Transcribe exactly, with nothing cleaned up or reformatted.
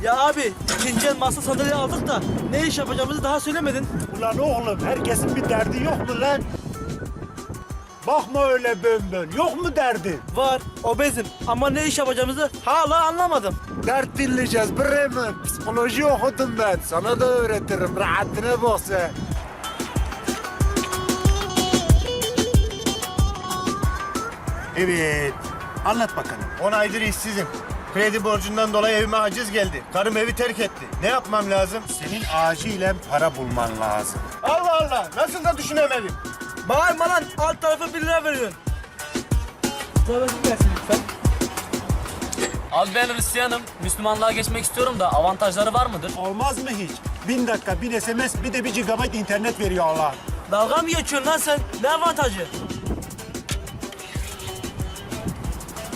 Ya abi ikinci el masa sandalye aldık da ne iş yapacağımızı daha söylemedin. Ulan oğlum herkesin bir derdi yok mu lan? Bakma öyle bön bön. Yok mu derdi? Var, obezim ama ne iş yapacağımızı hala anlamadım. Dert dinleyeceğiz Bremen. Psikoloji okudum ben. Sana da öğretirim. Rahatına bak sen. Evet. Anlat bakalım. On aydır işsizim. Kredi borcundan dolayı evime haciz geldi. Karım evi terk etti. Ne yapmam lazım? Senin acilen para bulman lazım. Allah Allah. Nasıl da düşünemedim. Bağırma lan, alt tarafı bir lira veriyorsun. Sıradaki gelsin lütfen. Abi ben Hristiyanım. Müslümanlığa geçmek istiyorum da avantajları var mıdır? Olmaz mı hiç? Bin dakika, bin S M S, bir de bir gigabayt internet veriyor Allah. Dalga mı geçiyorsun lan sen? Ne avantajı?